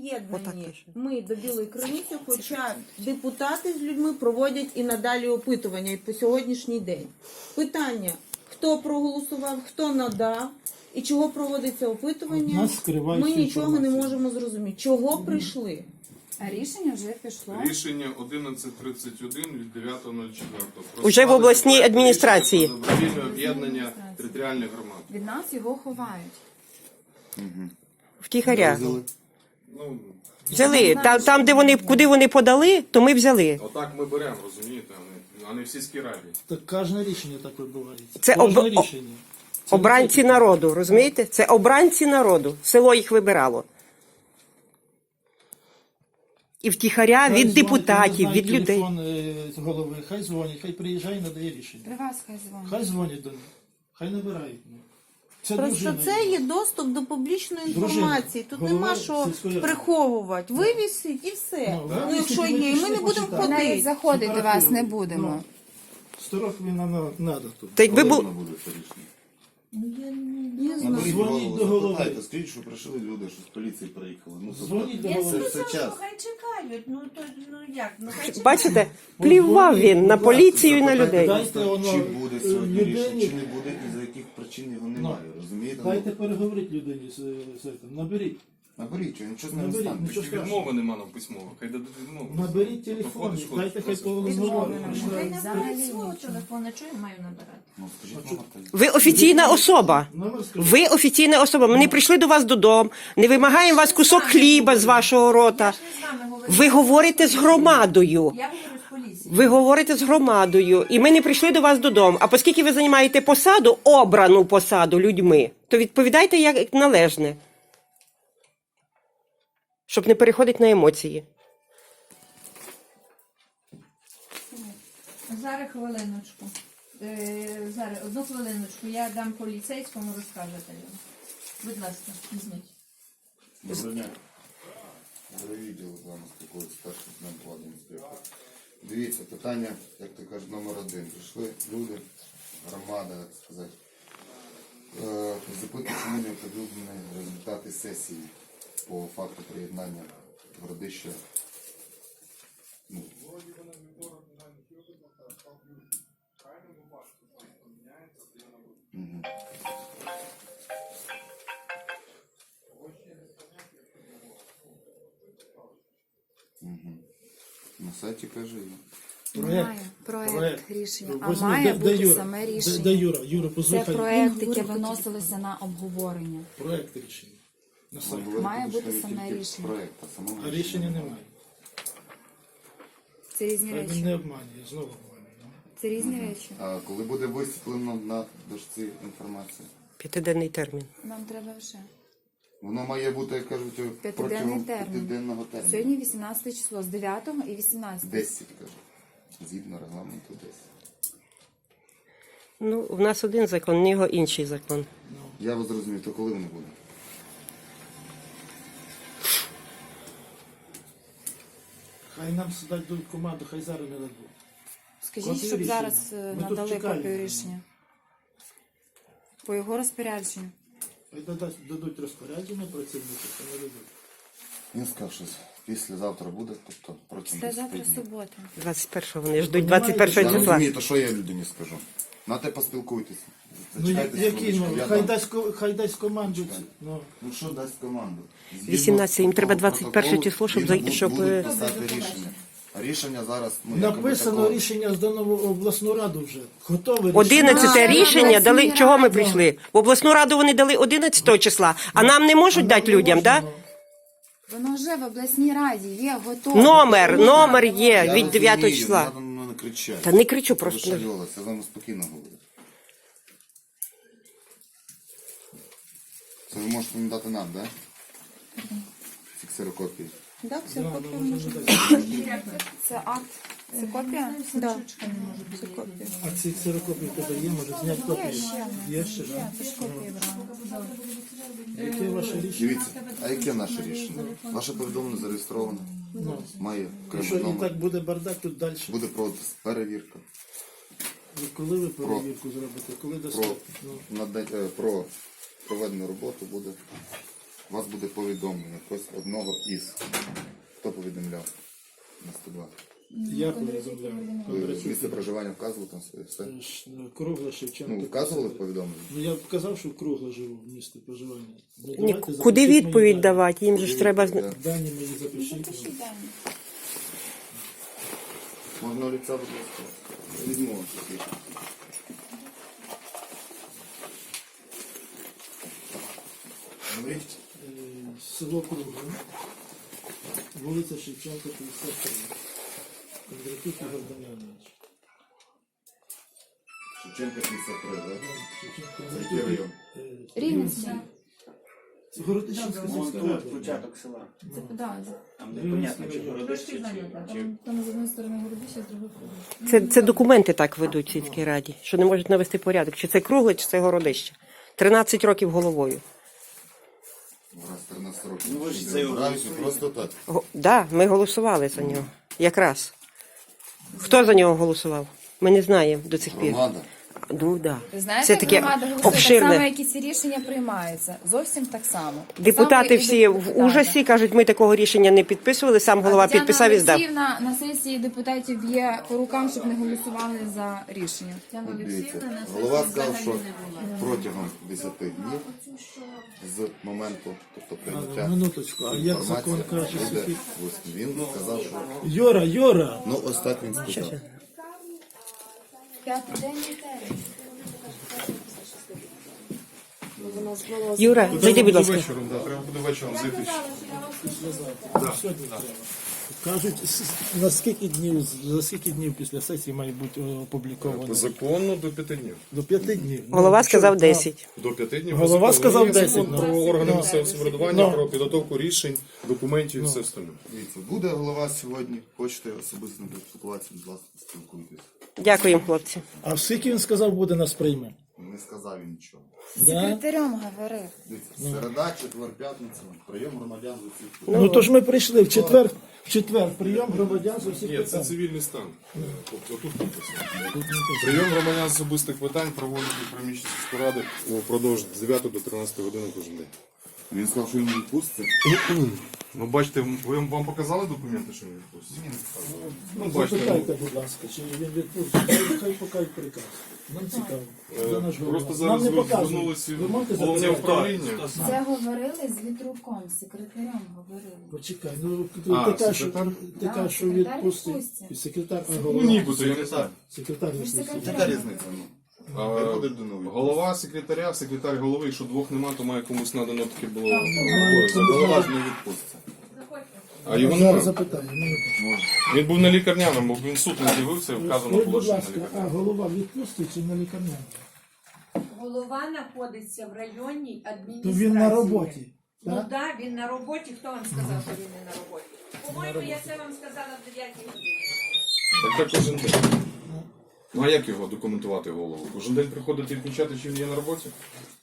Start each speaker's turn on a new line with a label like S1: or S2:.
S1: приєднані ми до Білої криниці, хоча депутати з людьми проводять і надалі опитування і по сьогоднішній день. Питання, хто проголосував, хто надав і чого проводиться опитування, ми нічого не можемо зрозуміти. Чого прийшли?
S2: А рішення вже пішло.
S3: Рішення 1131 від 9.04.
S4: Уже в обласній адміністрації.
S3: Добровільне об'єднання територіальних громад.
S2: Від нас його ховають.
S4: Втіхаря.
S3: Ну,
S4: Взяли. Там, де вони, куди вони подали, то ми взяли.
S3: отак ми беремо, розумієте, а не в сільській раді.
S5: Так кожне рішення так відбувається.
S4: Це
S5: Кожне рішення. Це
S4: Обранці народу, розумієте? Це обранці народу. Село їх вибирало. І втіхаря
S5: Хай
S4: від
S5: дзвонить,
S4: депутатів,
S5: не
S4: від
S5: знаю,
S4: людей.
S5: телефон з голови, хай дзвонять, хай приїжджає і надає рішення.
S2: При вас хай дзвонить.
S5: Хай дзвонять до них, хай набирають. Це
S1: Просто
S5: дружина.
S1: це є доступ до публічної інформації. Тут
S5: Голова
S1: нема що
S5: сільської ради.
S1: приховувати. Вивісить і все. Ну, якщо
S5: вивісить,
S1: є, і ми не
S5: ви
S1: будемо
S5: почитайте.
S2: Навіть
S1: ходити.
S2: заходити вас не будемо.
S5: 100 років нам треба тут.
S4: Та якби
S6: Коли
S4: бу...
S6: воно буде це рішення?
S1: Не знаю.
S6: Наберіть
S5: Дзвоніть
S6: голову,
S5: до голови.
S6: запитайте, скажіть, що прийшли люди, що з поліції приїхали. Ну,
S5: Дзвоніть до
S6: це
S5: голови.
S6: все час.
S1: Хай чекають. Ну як? Ну хай чекають.
S4: Бачите, плівав він на поліцію і на людей.
S5: Дайте воно
S6: Чи буде сьогодні
S5: людині.
S6: рішення, чи не буде, і за яких причин його немає, розумієте?
S5: Дайте переговорити людині з цим. Наберіть.
S6: Наберіть, що нічого з ним не
S5: Наберіть,
S6: стане.
S5: нічого страшного.
S3: Відмови нема нам письмово, хай дадуть відмову.
S5: Наберіть телефон, дайте хай поговоримо.
S2: Взагалі
S1: Свого
S2: нічого.
S1: телефона, чого я маю набирати?
S6: Ну, скажіть, номер телефону.
S4: Ви офіційна особа.
S5: Номер скажіть.
S4: Ви офіційна особа. Ми не прийшли до вас додому, не вимагаємо вас кусок хліба з вашого рота. Ви говорите з громадою.
S1: Я говорю з поліцією.
S4: Ви говорите з громадою, і ми не прийшли до вас додому. А оскільки ви займаєте посаду, обрану посаду людьми, то відповідайте як належне, щоб не переходити на емоції.
S7: Зараз хвилиночку. Зараз, одну хвилиночку. Я дам поліцейському, розкажете йому. Будь ласка, візьміть.
S6: Доброго дня. Відділ з вами спілкується старший лейтенант влади інспектор. Дивіться, питання, як то кажуть, номер 1. Прийшли люди, громада, як сказати. Запитують, чому не оприлюднені результати сесії по факту приєднання Городища. Ну, Мгм. Мгм. На сайті каже.
S2: Немає проект рішення, а
S5: Возьми,
S2: має
S5: де
S2: бути
S5: Юра?
S2: саме
S5: Де
S2: рішення.
S5: Юра? Юра,
S2: Це
S5: послухай.
S2: проект, яке виносилося на обговорення.
S5: Проект рішення. На сайті.
S2: Має бути саме рішення.
S6: Проект, а самого
S5: А рішення немає.
S2: Це різні
S5: Хай він
S2: речі.
S5: не обманює, знову обманює. ну.
S2: Це різні речі.
S6: А коли буде висвітлено на дошці інформація?
S4: 5-денний термін.
S2: Нам треба вже.
S6: Воно має бути, як кажуть,
S2: П'ятиденний
S6: протягом
S2: термін.
S6: 5-денного терміну.
S2: Сьогодні 18 число, з 9 і 18.
S6: 10, каже. Згідно регламенту 10.
S4: Ну, в нас один закон, в нього інший закон.
S6: Я вас зрозумів, то коли воно буде?
S5: Хай нам дадуть команду, хай зараз не дадуть.
S2: Скажіть,
S5: Копію
S2: щоб
S5: рішення.
S2: зараз
S5: Ми тут
S2: надали
S5: чекаємо.
S2: копію рішення. По його розпорядженню.
S5: Хай дадуть розпорядження працівники, хай не дадуть.
S6: Він сказав, що післязавтра буде, тобто протягом
S2: Це
S6: 10
S2: завтра
S6: днів.
S2: субота.
S4: 21-го вони ждуть 21
S6: Я
S4: числа.
S6: розумію, то що я людині скажу? На те поспілкуйтеся.
S5: Ну
S6: Зачекайте
S5: які,
S6: секундочку,
S5: ну,
S6: я
S5: хай
S6: дам.
S5: дасть команду. Ну,
S6: Ну що дасть команду?
S4: 18, їм треба 21
S6: протоколу
S4: число, щоб
S6: він
S4: зай- щоб,
S6: будуть писати рішення. А рішення зараз, ну, якби
S5: написано
S6: такого-
S5: рішення здано в обласну раду вже. Готове
S4: 11
S2: А,
S4: рішення
S2: обласній
S4: дали. Чого ми
S2: раді.
S4: прийшли? В обласну раду вони дали 11 числа, а нам не можуть дати людям, так? Да?
S2: Воно вже в обласній раді є, готове.
S4: Номер є
S6: Я
S4: від 9
S6: розумію,
S4: числа.
S6: Не треба на мене кричати.
S4: Та не кричу
S6: Ви
S4: просто.
S6: шальолись, я з вами спокійно говорю. Це ви можете не дати нам, так? Да? Ці ксерокопії.
S1: Так, все, копія
S5: може
S1: може
S5: дати.
S2: Це акт, це копія?
S1: Да. Це копія.
S5: А ці ксерокопії в тебе є, може зняти копію? Є ще, так?
S2: Це ж копія брала.
S5: Яке ваше рішення?
S6: Дивіться, а яке наше рішення? Ваше повідомлення зареєстровано. Має
S5: Якщо
S6: окремий
S5: і
S6: номер.
S5: так буде бардак, тут далі.
S6: Буде проводитися перевірка.
S5: Коли ви перевірку зробите? Коли
S6: Про,
S5: достатньо? Ну,
S6: про проведену роботу буде у вас буде повідомлення якось одного із. Хто повідомляв на 102?
S5: Я повідомляв.
S6: Ви місце проживання вказували там своє все?
S5: Кругле Шевченко.
S6: Ну, вказували в повідомленні?
S5: Ну, я казав, що кругле живу в місті проживання. Ну,
S4: Ні,
S5: давайте
S4: куди
S5: запишіть мої
S4: відповідь
S5: дані.
S4: давати? Їм же ж треба
S5: Дані мої запишіть.
S2: Запишіть дані.
S6: Можна олівця, будь ласка? Візьму вам такі. Говоріть.
S5: Село Кругле. Вулиця Шевченка, 53. Кондратюк Ігор Дем'янович.
S6: Шевченка 53, так?
S5: Шевченко,
S6: Це який район?
S2: Рівненський.
S5: Це Городищенська сільська рада.
S8: Початок села.
S2: Це, да,
S8: Там непонятно, чи
S7: Трошки
S8: городище,
S7: зайнята.
S8: чи
S2: там з одної сторони Городище, з другої Кругле.
S4: це документи так ведуть в сільській раді, що не можуть навести порядок. Чи це кругле, чи це городище. 13 років головою.
S6: Раз 13 років.
S8: Ну, ви ж
S6: Не
S8: за його
S6: обирають,
S8: голосуєте.
S6: просто так.
S4: Да, ми голосували за нього. Якраз. Хто за нього голосував? Ми не знаємо до цих пір.
S6: Громада.
S4: Ну, да.
S2: Ви знаєте,
S4: Це
S2: як
S4: таке
S2: громада голосує, так
S4: обширне.
S2: само, як і ці рішення приймаються. Зовсім так само.
S4: Депутати
S2: Саме і
S4: всі в
S2: депутати.
S4: ужасі кажуть, ми такого рішення не підписували, сам голова
S2: Тетяна
S4: підписав і здав.
S2: Олексіївна на сесії депутатів б'є по рукам, щоб не голосували за рішення.
S7: Тетяна
S6: От
S7: Олексіївна
S6: дивіться,
S7: на
S6: голова
S7: сесії
S6: сказав,
S7: взагалі
S6: що
S7: не була.
S6: протягом 10 днів з моменту, тобто прийняття
S5: Минуточку, а як
S6: інформація
S5: закон каже,
S6: буде
S5: скільки?
S6: висновку. Він сказав, що
S5: Йора!
S6: ну ось так він сказав.
S2: П'ятиденний термін.
S4: Юра, зайди, будь ласка.
S3: Вечором, да, треба буде вечором зайти.
S5: Сьогодні треба. Кажуть, за скільки днів після сесії має бути опубліковано?
S3: По закону до 5 днів.
S5: До 5 днів.
S4: Голова
S5: що,
S4: сказав
S5: а,
S4: 10.
S3: До 5 днів.
S5: Голова
S3: по закону.
S5: сказав
S3: Є
S5: 10,
S3: закон
S5: ну.
S3: про органи
S5: Ну.
S3: місцевого самоврядування,
S5: Ну.
S3: про підготовку рішень, документів і все остальне.
S6: Дивіться, буде голова сьогодні, хочете особисто поспілкуватися, будь ласка, спілкуйтесь.
S4: Дякуємо, хлопці.
S5: А скільки він сказав, буде нас прийме?
S6: Не сказав він нічого.
S5: Да?
S2: Секретарем говорив.
S6: Дивіться, середа, четвер, п'ятниця, прийом громадян з усіх.
S5: Ну то ж ми прийшли в четвер прийом громадян з усіх
S3: Ні, це
S5: питань.
S3: цивільний стан. Тобто тут написано. Прийом громадян з особистих питань проводять у приміщенні сільської ради упродовж 9 до 13 години кожен день.
S6: Він сказав, що він відпуститься.
S3: Ну, бачите, вам показали документи, що він відпустить?
S5: Ну,
S3: бачите,
S5: запитайте, будь ласка, чи він відпустить. Хай покажуть приказ. Нам цікаво. За наш голова.
S3: Просто зараз
S5: Нам не
S3: ви
S5: показують.
S3: звернулися
S5: Ви можете
S3: в головне
S5: запитати?
S3: управління.
S2: Це говорили з Вітруком, з секретарем говорили.
S5: Почекай, ну
S3: А,
S5: така,
S3: секретар?
S5: що
S2: Да,
S5: що
S2: секретар
S5: відпустить.
S2: відпустить.
S5: І секретар, а
S3: Ну,
S5: голова.
S3: нібито, я не знаю.
S5: Секретар
S2: Ви ж
S5: відпустить.
S2: секретар.
S6: Яка різниця? Ну? Виходить до нової.
S3: Голова секретаря, секретар голови, якщо двох нема, то має комусь надано таке було.
S6: Голова ж не відпуститься.
S3: А його
S5: Зараз
S3: нема.
S5: запитаю. Минуточку.
S3: Він був на лікарняному, бо він в суд не з'явився, вказано
S5: Скажіть,
S3: було,
S5: будь
S3: що на
S5: ласка, а
S3: лікарняному.
S5: голова відпустить чи на лікарняному?
S9: Голова знаходиться в районній
S5: То
S9: адміністрації.
S5: він на роботі.
S9: Ну
S5: Так?
S9: так, він на роботі. Хто вам сказав, що він не на роботі? По-моєму, я це вам сказала в 9 годині.
S3: Так кожен день. Ну а як його документувати голову? Кожен день приходити і відмічати, чи він є на роботі?